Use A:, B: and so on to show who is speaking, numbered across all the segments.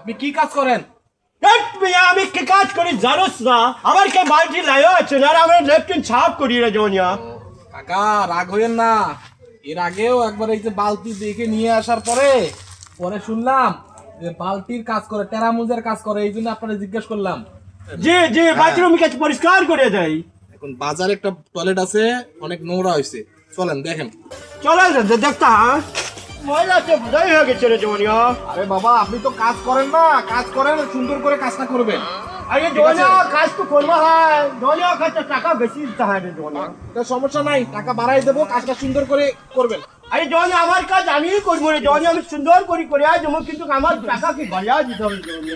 A: আপনি কি কাজ করেন?
B: আমি কি কাজ করি জানোস না? আমার কে বালতি লাইও আছে আর আমার লেফটিন ছাপ করি রে জনিয়া।
A: কাকা রাগ হইেন না, এর আগেও একবার এই যে বালতি দেখে নিয়ে আসার পরে পরে শুনলাম যে বালতির কাজ করে, টেরামুজের কাজ করে, এই জন্য আপনারা জিজ্ঞেস করলাম।
B: জি জি বাথরুম কাছে পরিষ্কার করে দেয়।
A: এখন বাজারে একটা টয়লেট আছে, অনেক নোংরা হয়েছে, চলেন দেখেন।
B: চলে দেখতা ময়লা তো বোঝাই হয়ে গেছে রে জনিয়া।
A: আরে বাবা আপনি তো কাজ করেন না, কাজ করেন সুন্দর করে কাজটা করবেন।
B: আরে জনিয়া কাজ তো করবো হয়, জনিয়া কাছে টাকা বেশি দিতে হয় রে জনিয়া।
A: তো সমস্যা নাই, টাকা বাড়াই দেবো, কাজটা সুন্দর করে করবেন।
B: আরে জনিয়া আমার কাজ আমি করবো রে জনিয়া, আমি সুন্দর করে আয় দেবো, কিন্তু আমার টাকা কি বাড়িয়া দিতে হবে জনিয়া।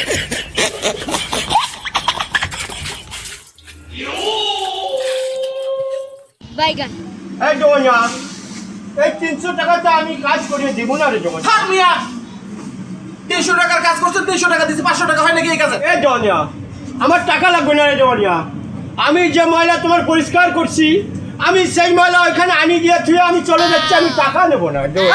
C: বাইগান
B: এই জনিয়া এই 300 টাকাতে আমি কাজ করিয়ে দিব না রে জনিয়া।
A: থাক মিয়া, 300 টাকার কাজ করছেন, 300 টাকা দিচ্ছি, 500 টাকা হয় নাকি এই কাজে?
B: এই জনিয়া আমার টাকা লাগবে না রে জনিয়া। আমি যে ময়লা তোমার পরিষ্কার করছি, আমি সেই ময়লা ওইখানে আনি দিয়ে থুয়ে আমি চলে যাচ্ছি, আমি টাকা নেবো না জনিয়া।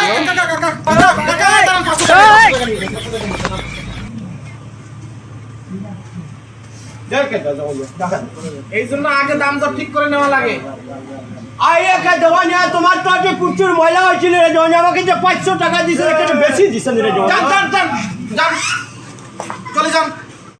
B: দেখে দাও জনিয়া,
A: এই জন্য আগে দাম দর ঠিক করে নেওয়া লাগে।
B: আইয়া কে জনিয়া তোমার তো আগে প্রচুর ময়লা হয়েছিল রে জনিয়া, আমাকে যে 500 টাকা দিছে একটু বেশি দিছেন রে জনিয়া।
A: যান যান যান যান, চলে যান।